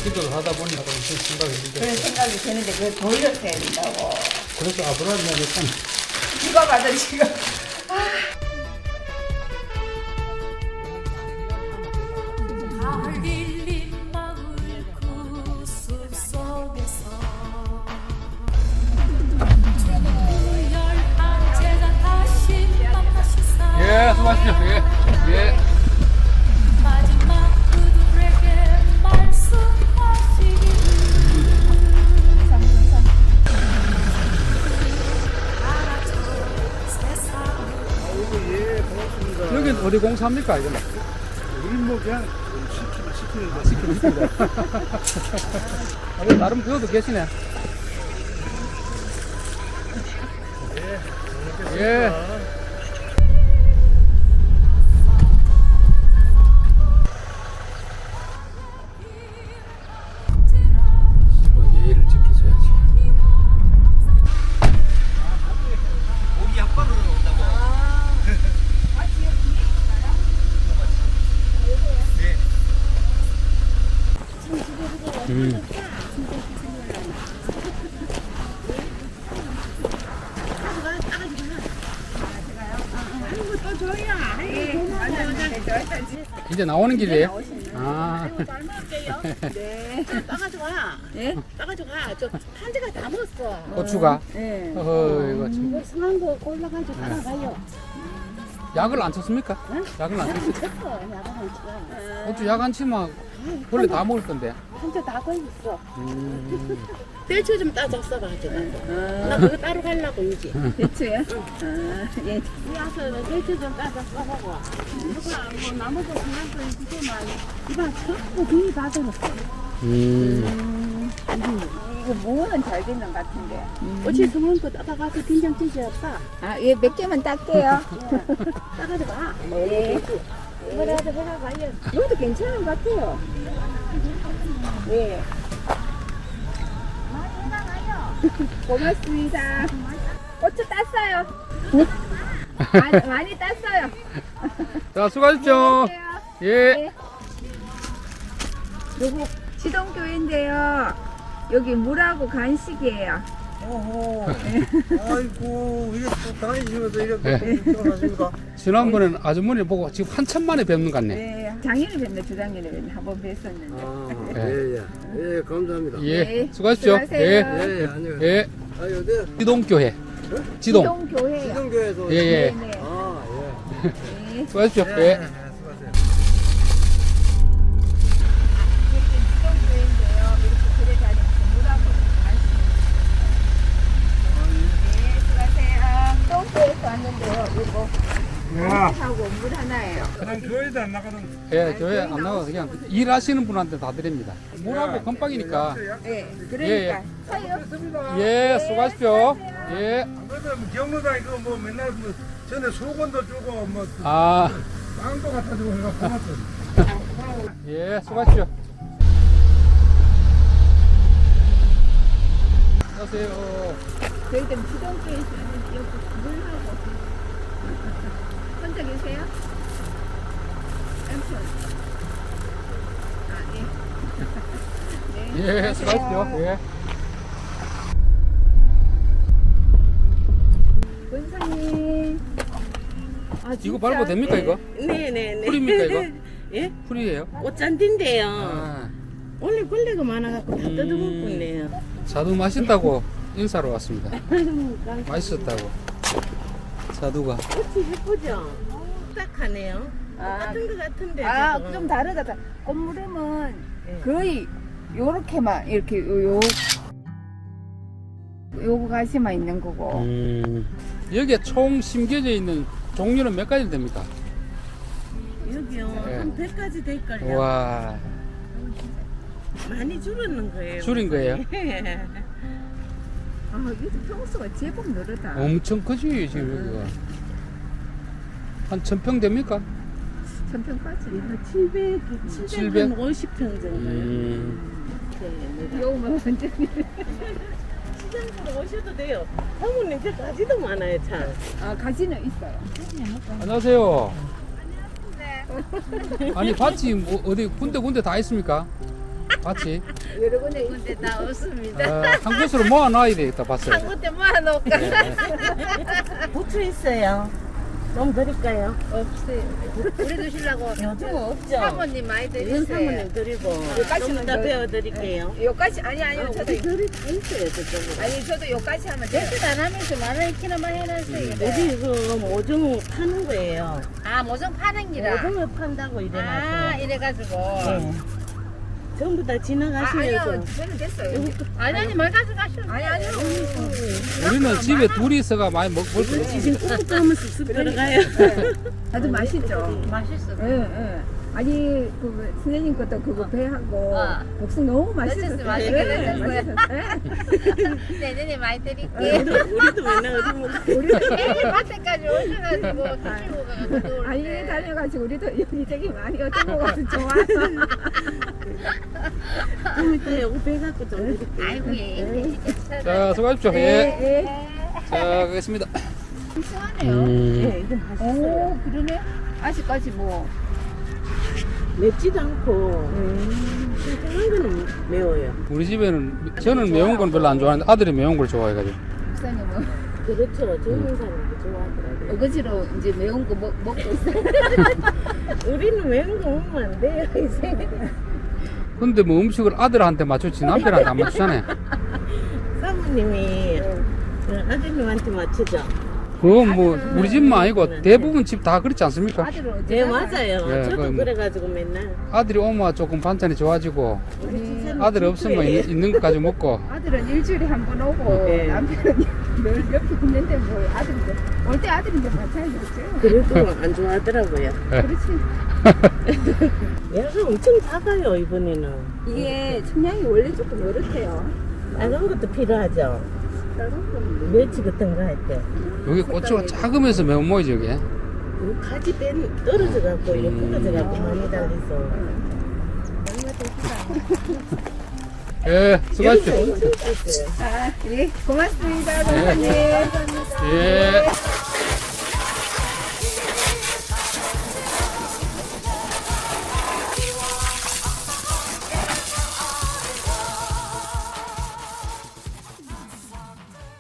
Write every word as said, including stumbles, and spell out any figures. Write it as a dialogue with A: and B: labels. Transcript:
A: 기도를 하다 보니까 무슨 생각이 들겠어.
B: 그런 생각이 드는데 그걸 돌렸어야 된다고.
A: 그래서 아브라함이 약간
B: 누가 봐도 지금.
A: 예, 수고하십시오. 예, 예. 여긴 어디 공사합니까, 이거?
C: 우리 뭐 그냥 시키는 시키는 거.
A: 시키고 싶습니다. 아, 나름 배워도 계시네. 예. 예의를 지켜줘야지.
C: 고기 약방으로 온다고.
A: 음. 이제 나오는 길이에요? 아.
B: 네.
D: 따가지고 가.
B: 예?
D: 따가지고 가. 저 판지가 다 먹었어.
A: 고추가?
B: 네.
A: 어허, 이거 참.
D: 이거 상한 거 골라가지고 따라가요.
A: 약을 안 쳤습니까? 약을 안 쳤습니까?
D: 쳤어. 야간한 치가.
A: 고추 약 안 치면 원래 다 먹을 건데.
D: 한자 다 걸렸어.
A: 음.
D: 떼초 좀 따졌어 가지고. 나 그거 따로 가려고 이제.
B: 대추요? 아, 예.
D: 와서 떼초 좀 따져 써보고. 누가 뭐 나머지 상한 거 이거만 이봐 전부 비이 다 들었어.
A: 음.
B: 이거 무는 잘 되는 것 같은데.
D: 어찌 상한 거 따다가서 된장찌개 없다.
B: 아, 예, 몇 개만 딸게요.
D: 따가지고 가.
B: 네.
D: 뭐라도 해가 가요.
B: 이것도 괜찮은 것 같아요. 예. 고맙습니다. 고추 땄어요. 많이, 많이 땄어요.
A: 자, 수고하십시오. 예.
B: 요거 시동교회인데요. 여기 물하고 간식이에요.
C: 어허. 아이고 이게 또 다니시면서 이렇게
A: 네.
C: 하십니까?
A: 지난번에는 아주머니 보고 지금 한참 만에 뵙는 것 같네.
B: 네, 작년에 뵀네, 주작년에 뵀네. 한번 뵀었는데.
C: 아,
A: 네.
C: 예, 예. 예, 감사합니다.
A: 예.
B: 네.
A: 수고하십시오.
B: 수고하세요.
A: 예.
C: 예, 예, 안녕하세요.
A: 예.
C: 아, 여기
A: 지동교회. 지동.
B: 시동교회요.
C: 시동교에서.
A: 예, 예.
B: 네, 네.
C: 아, 예.
B: 네.
A: 수고하십시오.
C: 예,
A: 예.
C: 예, 수고하세요.
B: 여기는 시동교회인데요. 이렇게 들에 다니면서 물하고 간식. 네, 수고하세요. 시동교회에서 왔는데요. 이거 간식하고 물 하나예요.
C: 그냥 교회도 안 나가던.
A: 예, 교회 안 나가서 그냥 일하시는 분한테 다 드립니다. 물하고 건빵이니까.
B: 네,
A: 예,
B: 그러니까 사요.
A: 예, 수고하십시오. 예.
C: 안 그래도 뭐 경로당 이거 뭐 맨날 뭐 전에 수건도 주고 뭐
A: 아,
C: 빵도 갖다 주고 해가 고맙죠.
A: 예, 수고하십시오. 안녕하세요.
B: 저희들 시동교회에서 여기 물하고 혼자 계세요? 남편. 아, 예. 네.
A: 예, 수고하십시오. 예.
B: 원사님. 아,
A: 이거
B: 진짜?
A: 밟아도 됩니까, 이거?
D: 네네네.
A: 풀입니까, 이거?
D: 예?
A: 풀이에요?
D: 꽃잔디인데요.
A: 아,
D: 원래 걸레가 많아갖고 다
A: 음.
D: 뜯어먹고 있네요.
A: 자두 맛있다고 인사로 왔습니다. 맛있었다고. 자두가.
D: 꽃이 예쁘죠? 딱하네요.
B: 아,
D: 똑같은 것 같은데.
B: 아,
D: 지금.
B: 좀 다르다. 다- 꽃무름은
D: 예.
B: 거의 요렇게만 이렇게 요, 요 요거 가시만 있는 거고.
A: 음, 여기에 총 심겨져 있는 종류는 몇 가지 됩니까?
D: 여기요.
A: 예.
D: 한 백 가지 될걸요.
A: 와,
D: 많이 줄었는 거예요.
A: 줄인 거예요?
D: 예.
B: 아, 이거 평수가 제법 늘었다.
A: 엄청 크지, 지금 여기가. 한 천평 됩니까?
B: 천평까지.
D: 칠백,
A: 칠백?
D: 칠백오십 평 정도요.
A: 음,
D: 네, 네.
B: 요거만 완전히.
D: 시장으로 오셔도 돼요. 사모님 저 가지도 많아요, 참.
B: 아, 가지는 있어요.
A: 안녕하세요.
B: 네.
A: 아니, 밭이 뭐 어디 군데 군데 다 있습니까? 밭이?
B: 여러 군데 군데 다 없습니다.
A: 아, 한 곳으로 모아놔야 되겠다 봤어요.
B: 한 군데 모아놓을까?
D: 고추 있어요. 좀 드릴까요?
B: 없어요. 우리 드시려고
D: 요즘 없죠.
B: 사모님 많이
D: 이건
B: 드리세요.
D: 사모님 드리고
B: 요까지는
D: 좀 이따
B: 더-
D: 배워드릴게요.
B: 요까지 아니 아니요 저도
D: 우리 드리 다 있어요 저쪽으로.
B: 아니 저도 요까지 하면 돼요.
D: 대출 안 하면서 만 원키나만 해놨어요.
B: 음.
D: 우리 이거 모종 파는 거예요.
B: 아 모종 파는 기라.
D: 모종을 판다고
B: 아
D: 이래놨어요.
B: 이래가지고.
D: 네. 전부 다
B: 아,
D: 지나가시면서
B: 아니요 저는 됐어요.
D: 아니 아니 말 가져가셔.
B: 아니 아니요.
A: 우리는 집에 둘이 있어가 많이 먹, 먹을 수 있어.
D: 지금 꾹꾹 하면 쑥쑥 들어가요.
B: 아주 맛있죠.
D: 맛있어.
B: 예, 예. 아니 그 선생님 것도 그거 배하고
D: 어.
B: 복숭 너무
D: 맛있었어요.
B: 맛있었어요.
D: 맛있게
B: 맛있었어요.
D: 내년에 많이
B: 네.
D: 드릴게요. 우리도 맨날 어디 먹어요.
B: 우리
D: 밭에까지 오셔가지고 드시고 가가지고
B: 아니 다녀가지고 우리도 여기저기 많이 얻어먹어서 좋아서.
D: 좀 이따 요거 배갖고 좀 드릴게요.
B: 아이고 예.
A: 자, 수고하십시오. 예.
B: 예.
A: 자, 가겠습니다.
B: 시원해요.
A: 음,
D: 네, 이건 맛있어요.
B: 오 그러네. 아직까지 뭐.
D: 맵지도 않고 싱싱한 거는 매워요.
A: 우리 집에는 저는 매운 건 별로 안 좋아하는데 아들이 매운 걸 좋아해가지고.
B: 목사님은
D: 그렇죠. 젊은 사람도 좋아하더라고요.
B: 어거지로 이제 매운 거 먹, 먹고 있어요.
D: 우리는 매운 거 먹으면 안 돼요, 이제.
A: 근데 뭐 음식을 아들한테 맞추지 남편한테 안 맞추잖아요.
D: 사모님이 그 아드님한테 맞추죠.
A: 그건 뭐 우리 집만 아니고 대부분 집 다 그렇지 않습니까?
B: 아들은 어째
D: 네, 맞아요.
A: 예,
D: 저도
A: 그건-
D: 그래가지고 맨날.
A: 아들이 오면 조금 반찬이 좋아지고
D: 우리 집사람
A: 아들 없으면
D: 친구예요.
A: 있- 있는 것 가지고 먹고.
B: 아들은 일주일에 한 번 오고
D: 네.
B: 남편은 늘 옆에 있는데 뭐 아들인데 올 때 아들인데 마찬가지겠죠.
D: 그래도 안 좋아하더라고요.
A: 예.
B: 그렇지.
D: 얘가 엄청 작아요, 이번에는.
B: 이게 청량이 원래 조금 요렇대요.
D: 작은 것도 필요하죠.
B: 다른 거는
D: 멸치 같은 거 할 때.
A: 여기 고추가 작으면서 매운 모이지 여기.
D: 요 가지 뺀 떨어져 갖고 요
B: 음.
D: 부러져 갖고 많이 달려서.
A: 예, 수고하십시오.
D: 엄청 컸어요.
B: 아, 예, 고맙습니다, 선생님.
A: 예.